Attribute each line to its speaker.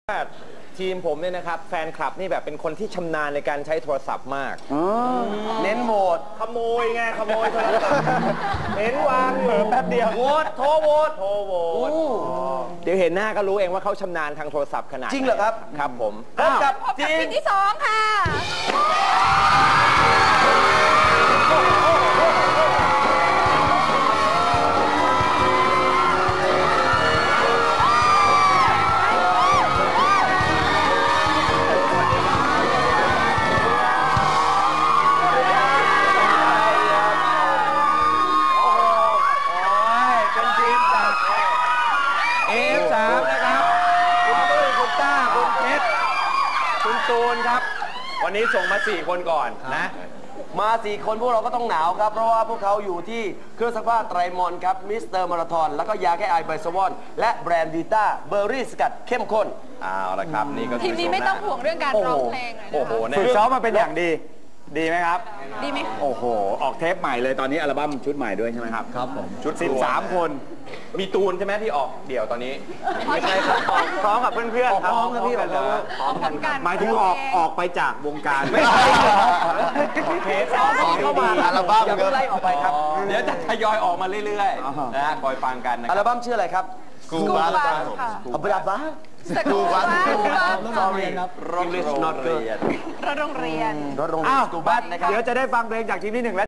Speaker 1: ทีมผมเนี่ยนะครับแฟนคลับนี่แบบเป็นคนที่ชำนาญในการใช้โทรศัพท์มากเน้นโหวตขโมยไงขโมยโทรศัพท์เห็นวางอยู่แป๊บเดียวโหวตโทรโหวตเดี๋ยวเห็นหน้าก็รู้เองว่าเขาชำนาญทางโทรศัพท์ขนาดจริงเหรอครับครับผมพบกับทีม
Speaker 2: ที่2ค่ะ
Speaker 1: ตูนครับวันนี้ส่งมา4คนก่อนนะ
Speaker 3: มา4คนพวกเราก็ต้องหนาวครับเพราะว่าพวกเขาอยู่ที่เครื่องซักผ้าไตรมอนครับมิสเตอร์มาราธอนแล้วก็ยาแก้ไอไบซาวอนและแบรนด์วีต้าเบอร์รี่สกัดเข้มข้น
Speaker 1: เอาละครับนี่ก็
Speaker 2: ทีมนี้ไม่ต้องห่วงเรื่องการร้องเพลงเลย
Speaker 1: โอ้โหฝึกซ้อมมาเป็นอย่างดีดีไหมครับ
Speaker 2: ดีไหม
Speaker 1: โอ้โหออกเทปใหม่เลยตอนนี้อัลบั้มชุดใหม่ด้วยใช่ไหมครับครับผมชุด13คนมีตูนใช่ไหมที่ออกเดี่ยวตอนนี้ไม่ใช่ครับพร้อมกับเพื่อนๆครับพร้อมกับพี่พร้อมกันหมายถึงออกไปจากวงการไม่ใช่เทปเข้ามาอัลบั้มอย่าเพิ่งไล่ออกไปครับเดี๋ยวจะทยอยออกมาเรื่อยๆนะคอยฟังกันนะ
Speaker 3: อัลบั้มชื่ออะไรครับ
Speaker 2: กูบาค่ะ
Speaker 3: อัลบั้ม
Speaker 2: กูบา
Speaker 3: โรงเรียนครับโรงเรียน
Speaker 2: โรงเรียน
Speaker 3: อ้าวกูบัสนะครับ
Speaker 1: เดี๋ยวจะได้ฟังเพลงจากทีมที่1และ